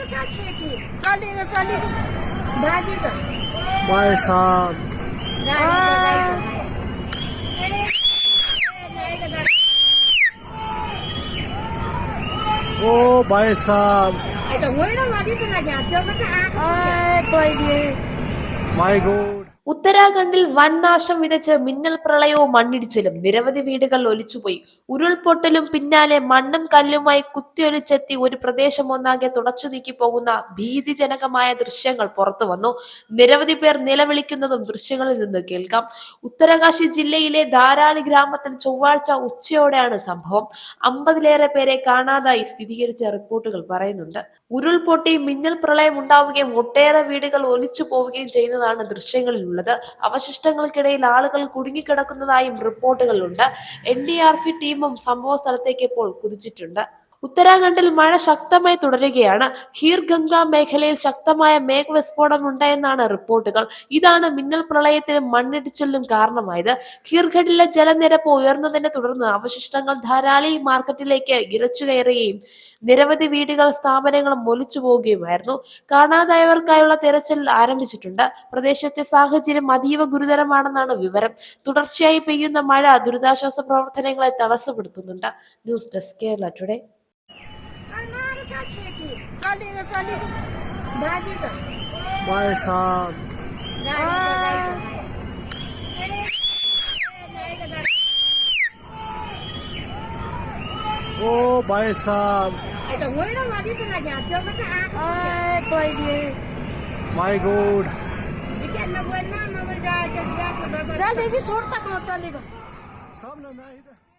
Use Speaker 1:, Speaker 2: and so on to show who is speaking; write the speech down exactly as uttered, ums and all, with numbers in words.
Speaker 1: भाई साहब ओ भाई साहब माय गॉड
Speaker 2: ഉത്തരാഖണ്ഡിൽ വൻ നാശം വിതച്ച് മിന്നൽ പ്രളയവും മണ്ണിടിച്ചിലും നിരവധി വീടുകൾ ഒലിച്ചുപോയി. ഉരുൾപൊട്ടലും പിന്നാലെ മണ്ണും കല്ലുമായി കുത്തിയൊലിച്ചെത്തി ഒരു പ്രദേശം ഒന്നാകെ തുടച്ചു നീക്കി പോകുന്ന ഭീതിജനകമായ ദൃശ്യങ്ങൾ പുറത്തു വന്നു. നിരവധി പേർ നിലവിളിക്കുന്നതും ദൃശ്യങ്ങളിൽ നിന്ന് കേൾക്കാം. ഉത്തരകാശി ജില്ലയിലെ ധാരാളി ഗ്രാമത്തിൽ ചൊവ്വാഴ്ച ഉച്ചയോടെയാണ് സംഭവം. അമ്പതിലേറെ പേരെ കാണാതായി സ്ഥിരീകരിച്ച റിപ്പോർട്ടുകൾ പറയുന്നുണ്ട്. ഉരുൾപൊട്ടി മിന്നൽ പ്രളയം ഉണ്ടാവുകയും ഒട്ടേറെ വീടുകൾ ഒലിച്ചു പോവുകയും ചെയ്യുന്നതാണ് ദൃശ്യങ്ങളിൽ ഉള്ളത്. അവശിഷ്ടങ്ങൾക്കിടയിൽ ആളുകൾ കുടുങ്ങിക്കിടക്കുന്നതായും റിപ്പോർട്ടുകളുണ്ട്. എൻ ഡി ആർ എഫ് ടീമും സംഭവ സ്ഥലത്തേക്ക് ഇപ്പോൾ കുതിച്ചിട്ടുണ്ട്. ഉത്തരാഖണ്ഡിൽ മഴ ശക്തമായി തുടരുകയാണ്. ഖീർ ഗംഗ മേഖലയിൽ ശക്തമായ മേഘവിസ്ഫോടനം ഉണ്ടായെന്നാണ് റിപ്പോർട്ടുകൾ. ഇതാണ് മിന്നൽ പ്രളയത്തിനും മണ്ണിടിച്ചിലിനും കാരണമായത്. ഖീർഗഡിലെ ജലനിരപ്പ് ഉയർന്നതിനെ തുടർന്ന് അവശിഷ്ടങ്ങൾ ധാരാളി മാർക്കറ്റിലേക്ക് ഇരച്ചു കയറുകയും നിരവധി വീടുകൾ സ്ഥാപനങ്ങളും ഒലിച്ചു പോവുകയുമായിരുന്നു. കാണാതായവർക്കായുള്ള തെരച്ചിൽ ആരംഭിച്ചിട്ടുണ്ട്. പ്രദേശത്തെ സാഹചര്യം അതീവ ഗുരുതരമാണെന്നാണ് വിവരം. തുടർച്ചയായി പെയ്യുന്ന മഴ ദുരിതാശ്വാസ പ്രവർത്തനങ്ങളെ തടസ്സപ്പെടുത്തുന്നുണ്ട്. News desk Kerala today.
Speaker 1: भाई साहब ओ भाई साहब माय गॉड
Speaker 3: चल देखिए छोड़ तक चलेगा
Speaker 1: सब ना